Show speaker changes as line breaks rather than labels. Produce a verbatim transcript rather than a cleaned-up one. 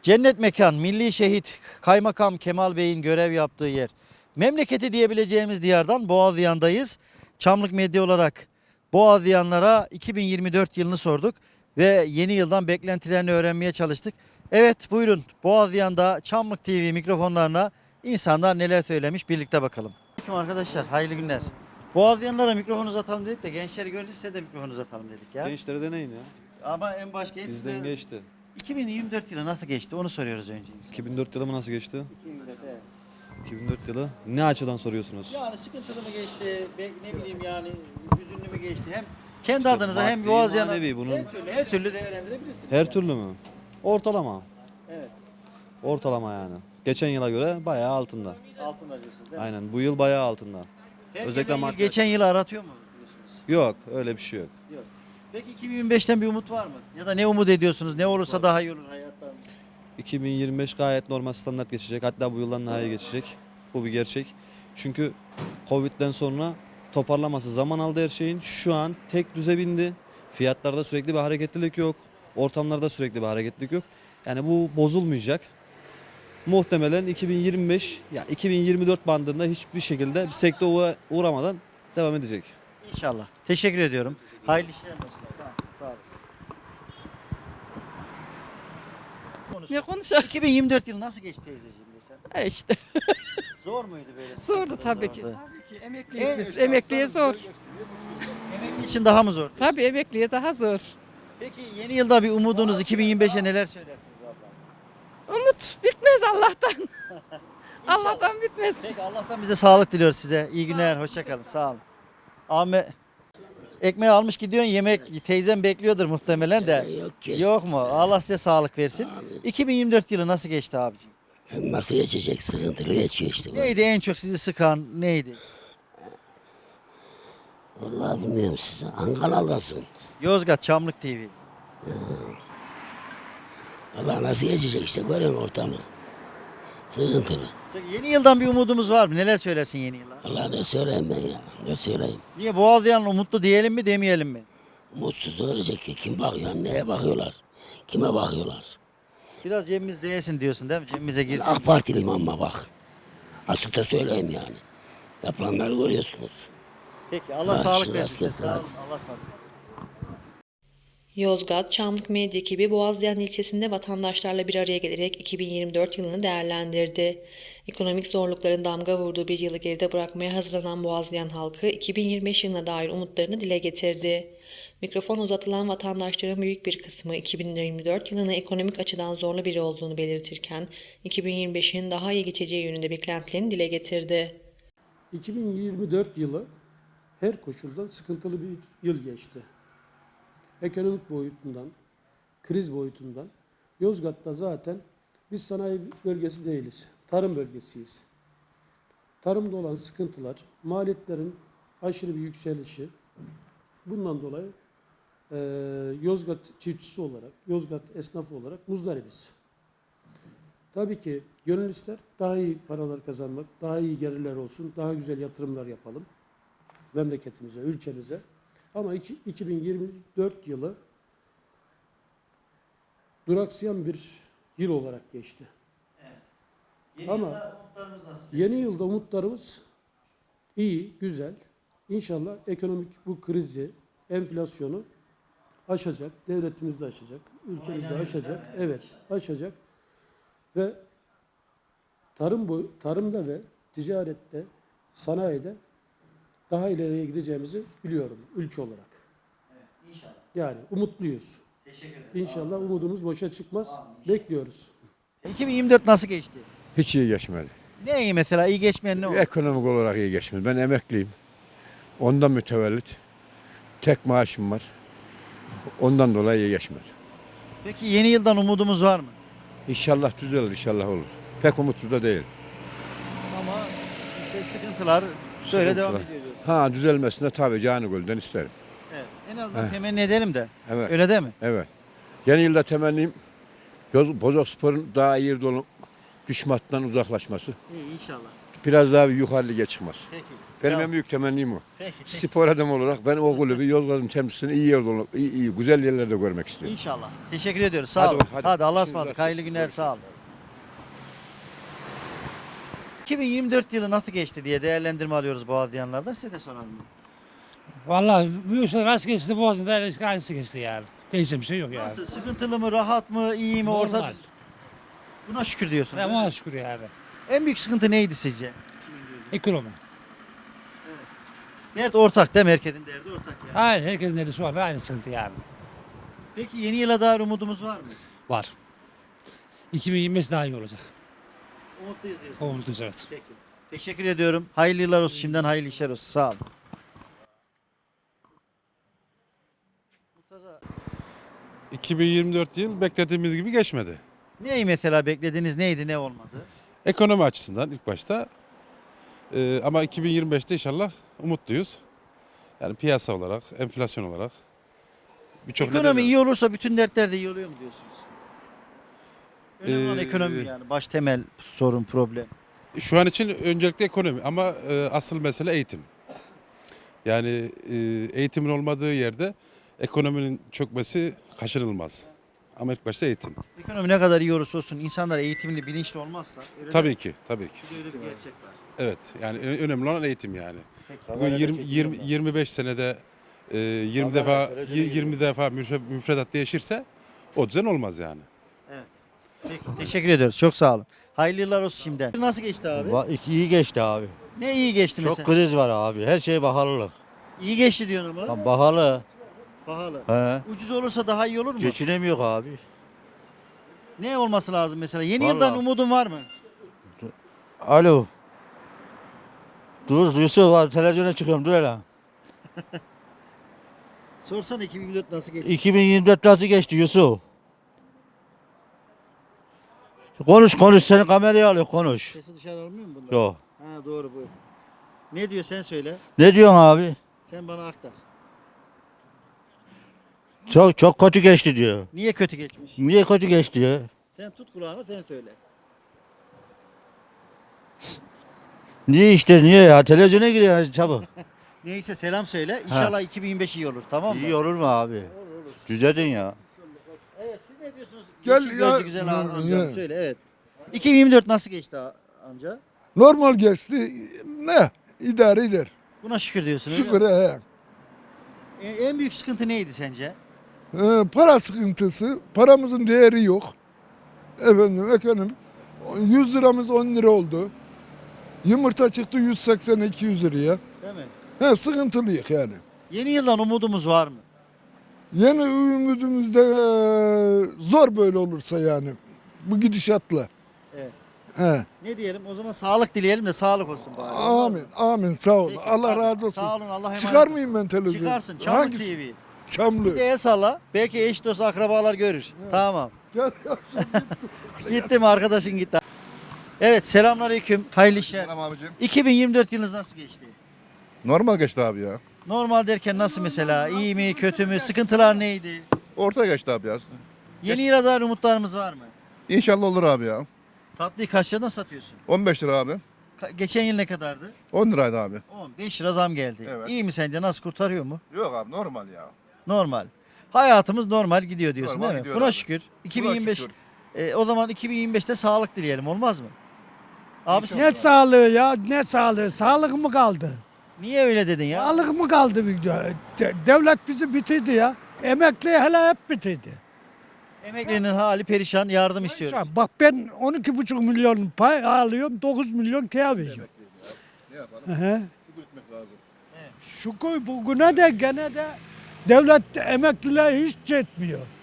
Cennet mekan, milli şehit Kaymakam Kemal Bey'in görev yaptığı yer. Memleketi diyebileceğimiz diyardan Boğazlayan'dayız. Çamlık Medya olarak Boğazlayanlara iki bin yirmi dört yılını sorduk ve yeni yıldan beklentilerini öğrenmeye çalıştık. Evet, buyurun, Boğazlayan'da Çamlık T V mikrofonlarına insanlar neler söylemiş, birlikte bakalım. Aleyküm arkadaşlar, hayırlı günler. Boğazlayanlara mikrofon uzatalım dedik de gençleri görünce size de mikrofon uzatalım dedik ya.
Gençlere deneyin ya.
Ama en baş genç
Bizden
size-
geçti.
iki bin yirmi dört yılı nasıl geçti onu soruyoruz önce.
iki bin dört yılı mı nasıl geçti?
iki bin yirmi dört, evet.
iki bin dört yılı ne açıdan soruyorsunuz?
Yani sıkıntılı mı geçti, be- ne bileyim yani hüzünlü mü geçti? Hem kendi
İşte
adınıza hem
maddi,
Boğazlayan'a
manevi bunun-
her türlü, her türlü değerlendirebilirsiniz.
Her
yani.
türlü mü? Ortalama.
Evet,
Ortalama yani. Geçen yıla göre bayağı altında.
altında diyorsunuz değil mi?
Aynen bu yıl bayağı altında.
Her
Özellikle
geçen yıl-
maddi-
geçen yılı aratıyor mu diyorsunuz?
Yok öyle bir şey yok.
Yok. Peki iki bin yirmi beşten bir umut var mı? Ya da ne umut ediyorsunuz? Ne olursa daha iyi olur hayatlarınız.
iki bin yirmi beş gayet normal standart geçecek. Hatta bu yıldan daha iyi geçecek. Bu bir gerçek. Çünkü Covid'den sonra toparlaması zaman aldı her şeyin. Şu an tek düze bindi. Fiyatlarda sürekli bir hareketlilik yok. Ortamlarda sürekli bir hareketlilik yok. Yani bu bozulmayacak. Muhtemelen iki bin yirmi beş ya iki bin yirmi dört bandında hiçbir şekilde bir sekteye uğra- uğramadan devam edecek.
İnşallah. Teşekkür ediyorum. Hayırlı işler olsun. Sağ, sağ olasın. Konusu.
Ne konuşalım?
iki bin yirmi dört yılı nasıl geçti teyzeciğim desem?
E işte
Zor muydu böyle?
zordu
sıkıntılı,
tabii ki.
zordu?
Tabii ki.
En
Emekliyiz biz.
üst
Emekliye
aslanım,
zor.
Emekli için daha mı zor?
Tabii emekliye daha zor.
Peki yeni yılda bir umudunuz iki bin yirmi beşe neler söylersiniz abla?
Umut bitmez Allah'tan. Allah'tan bitmez.
Peki Allah'tan bize sağlık diliyoruz size. İyi günler, hoşça kalın. Sağ olun. Ahmet ekmeği almış gidiyorsun yemek teyzem bekliyordur muhtemelen de.
Yok ki.
Yok mu? Allah size sağlık versin. iki bin yirmi dört yılı nasıl geçti abicim?
Nasıl geçecek? Sıkıntılı geçiyor işte. bu.
Neydi en çok sizi sıkan neydi?
Vallahi bilmiyorum size. Hangi kanaldasın?
Yozgat Çamlık T V.
Vallahi nasıl geçecek işte görüyorsun ortamı. Sıkıntılı.
Yeni yıldan bir umudumuz var mı? Neler söylersin yeni yıla?
Vallahi ne söyleyeyim ben ya? Ne söyleyeyim?
Niye Boğazlayan'la umutlu diyelim mi demeyelim mi?
Mutsuz ölecek ki. Kim bakıyor? Neye bakıyorlar? Kime bakıyorlar?
Biraz cebimiz değilsin diyorsun değil mi? Cebimize girsin.
AK Partiliyim ama bak. Açıkça söyleyeyim yani. Yapılanları görüyorsunuz.
Peki Allah
Ha,
sağlık
şimdi
versin. size.
rast
Sağ olun.
gelsin.
Allah'a ısmarladık.
Yozgat, Çamlık Medya ekibi Boğazlayan ilçesinde vatandaşlarla bir araya gelerek iki bin yirmi dört yılını değerlendirdi. Ekonomik zorlukların damga vurduğu bir yılı geride bırakmaya hazırlanan Boğazlayan halkı iki bin yirmi beş yılına dair umutlarını dile getirdi. Mikrofon uzatılan vatandaşların büyük bir kısmı iki bin yirmi dört yılını ekonomik açıdan zorlu biri olduğunu belirtirken iki bin yirmi beşin daha iyi geçeceği yönünde beklentilerini dile getirdi.
iki bin yirmi dört yılı her koşuldan sıkıntılı bir yıl geçti. Ekonomik boyutundan, kriz boyutundan. Yozgat'ta zaten biz sanayi bölgesi değiliz, tarım bölgesiyiz. Tarımda olan sıkıntılar, maliyetlerin aşırı bir yükselişi, bundan dolayı e, Yozgat çiftçisi olarak, Yozgat esnafı olarak muzdaribiz. Tabii ki gönül ister daha iyi paralar kazanmak, daha iyi gelirler olsun, daha güzel yatırımlar yapalım memleketimize, ülkemize. Ama iki- iki bin yirmi dört yılı duraksayan bir yıl olarak geçti.
Yeni
Ama-
yılda umutlarımız nasıl?
Yeni yılda umutlarımız iyi, güzel. İnşallah ekonomik bu krizi, enflasyonu aşacak, devletimiz de aşacak, ülkemiz de aşacak. Evet, aşacak. Ve tarım boy, tarımda ve ticarette, sanayide daha ileriye gideceğimizi biliyorum ülke olarak.
İnşallah.
Yani umutluyuz.
Teşekkür ederim.
İnşallah umudumuz boşa çıkmaz. Bekliyoruz.
iki bin yirmi dört nasıl geçti?
Hiç iyi geçmedi.
Ne iyi mesela? İyi geçmeyen ne oldu?
Ekonomik olarak iyi geçmedi. Ben emekliyim. Ondan mütevellit. Tek maaşım var. Ondan dolayı iyi geçmedi.
Peki yeni yıldan umudumuz var mı?
İnşallah düzelir, inşallah olur. Pek umutlu da değil.
Ama işte sıkıntılar böyle
Sıkıntılar.
devam ediyor diyorsun.
Ha düzelmesine tabii canı gölden isterim.
Evet. En azından temenni edelim de.
Evet,
Öyle değil mi?
evet. Yeni yılda temennim Yoz- Bozokspor'un daha iyi yerde olup düşmandan uzaklaşması.
İyi inşallah.
Biraz daha bir yukarı lige çıkması.
Peki.
Benim
Tamam.
en büyük temennim o.
Peki. peki.
Spor adamı olarak ben o kulübü Yozgat'ın temsilcisini iyi yerde, olup- iyi, iyi güzel yerlerde görmek istiyorum.
İnşallah. Teşekkür ediyoruz. Sağ
Hadi
olun.
bak,
Hadi,
hadi.
Allah'a
İşiniz
ısmarladık.
rast
Hayırlı
gelsin.
günler. Sağ olun. iki bin yirmi dört yılı nasıl geçti diye değerlendirme alıyoruz Boğazlayanlardan. Size de soralım.
Vallahi bu işler nasıl geçti Boğaz'ın da aynısı geçti yani. Değişen bir şey yok yani.
Nasıl? Sıkıntılı mı? Rahat mı? İyi mi? Orta?
Normal.
Buna şükür diyorsunuz.
Ama
değil mi?
ona şükür yani.
En büyük sıkıntı neydi sizce?
Ekonomi.
Dert ortak değil mi? Herkesin derdi ortak yani.
Aynen herkesin eli şu anda aynı sıkıntı yani.
Peki yeni yıla dair umudumuz var mı?
Var. iki bin yirmi beş daha iyi olacak.
Umutluyuz diyorsunuz.
Umutluyuz evet.
Peki. Teşekkür ediyorum. Hayırlı yıllar olsun. Şimdiden hayırlı işler olsun. Sağ olun. Murtaza,
iki bin yirmi dört yıl beklediğimiz gibi geçmedi.
neyi mesela beklediğiniz neydi ne olmadı?
Ekonomi açısından ilk başta. Ee, ama iki bin yirmi beşte inşallah umutluyuz. Yani piyasa olarak, enflasyon olarak. Birçok
Ekonomi
nedeni-
iyi olursa bütün dertler de iyi oluyor mu diyorsunuz? Önemli olan
Ee,
ekonomi yani. Baş temel sorun, problem.
Şu an için öncelikle ekonomi ama e, asıl mesele eğitim. Yani e, eğitimin olmadığı yerde ekonominin çökmesi kaçınılmaz. Ama ilk başta eğitim.
Ekonomi ne kadar iyi olursa olsun insanlar eğitimli, bilinçli olmazsa. öyle
Tabii
değil mi?
ki, tabii ki.
Bir de öyle bir gerçek var.
Evet, yani ö- önemli olan eğitim yani.
Peki.
Bugün yirmi, yirmi, yirmi beş senede e, yirmi defa yirmi defa müfre- müfredat değişirse o düzen olmaz yani.
Evet. Peki. Teşekkür ediyoruz. Çok sağ olun. Hayırlı yıllar olsun şimdiden. Nasıl geçti abi?
Va- iyi geçti abi.
Ne iyi geçti
Çok
mesela?
kriz var abi. Her şey pahalılık.
İyi geçti diyorsun ama.
Ha, pahalı.
Pahalı.
He.
Ucuz olursa daha iyi olur mu?
Geçinemiyor abi.
Ne olması lazım mesela? Yeni
Vallahi.
yıldan umudun var mı?
Alo. Dur Yusuf abi televizyona çıkıyorum dur hele.
Sorsana iki bin yirmi dört nasıl geçti?
iki bin yirmi dört nasıl geçti Yusuf? Konuş konuş seni kameraya alıyor konuş.
Sesi dışarı almıyor mu bunlar?
Yok.
Ha doğru bu. Ne diyor sen söyle.
Ne diyorsun abi?
Sen bana aktar.
Çok çok kötü geçti diyor.
Niye kötü geçmiş?
Niye kötü geçti ya?
Sen tut kulağını sen söyle.
Niye işte niye ya? Televizyona giriyor ya, çabuk.
Neyse selam söyle. İnşallah iki bin yirmi beş iyi olur tamam mı?
İyi olur mu abi? Düzeldin ya.
Evet siz ne diyorsunuz?
Gel
Yeşil
ya.
gözlü güzel am- amcam
Ya.
söyle evet. iki bin yirmi dört nasıl geçti a- amca?
Normal geçti. Ne? İdare eder.
Buna şükür diyorsun öyle
Şükür
mi?
he.
E, en büyük sıkıntı neydi sence?
Ee, para sıkıntısı. Paramızın değeri yok. Efendim ekonomi. yüz liramız on lira oldu. Yumurta çıktı yüz seksen iki yüz liraya.
Değil mi?
He sıkıntılıyık yani.
Yeni yıldan umudumuz var mı?
Yeni ümidimizde eee, zor böyle olursa yani. Bu gidişatla.
Evet.
He.
Ne diyelim? O zaman sağlık dileyelim de sağlık olsun bari.
Amin. Amin. Sağ ol.
Peki,
Allah
hadi.
razı olsun.
Sağ olun. Allah emanet
Çıkar
olsun.
mıyım ben televizyona?
Çıkarsın. Çamlık
Hangisi?
T V.
Çamlı.
Bir de el salla. Belki eş dost akrabalar görür. Tamam.
Gel ya.
Gitti mi arkadaşın gitti. Evet selamünaleyküm. Hayırlı işler.
Selam abicim.
iki bin yirmi dört yılınız nasıl geçti?
Normal geçti abi ya.
Normal derken nasıl mesela? İyi mi, kötü mü? Sıkıntılar neydi?
Orta geçti abi ya.
Yeni yıla dair umutlarımız var mı?
İnşallah olur abi ya.
Tatlıyı kaç liradan satıyorsun?
on beş lira abi.
Ka- geçen yıl ne kadardı?
on liraydı abi.
on beş lira zam geldi.
Evet.
İyi mi sence? Nasıl kurtarıyor mu?
Yok abi normal ya.
Normal. Hayatımız normal gidiyor diyorsun
Normal
değil mi?
gidiyor
Buna
abi.
şükür.
Buna
iki bin yirmi beş
şükür.
e, o zaman iki bin yirmi beşte sağlık dileyelim olmaz mı? Abi
İnşallah.
sen
Ne sağlığı ya ne sağlığı? Sağlık mı kaldı?
niye öyle dedin ya?
Sağlık mı kaldı? bir de- de- Devlet bizi bitirdi ya. Emekli hele hep bitirdi.
Emeklinin hali perişan yardım istiyoruz.
Bak ben on iki buçuk milyon pay alıyorum. dokuz milyon kâr veriyorum.
Ne yapalım?
Hı.
Şükür etmek lazım.
Şu koy bugüne de gene de devlet emekliler hiç etmiyor.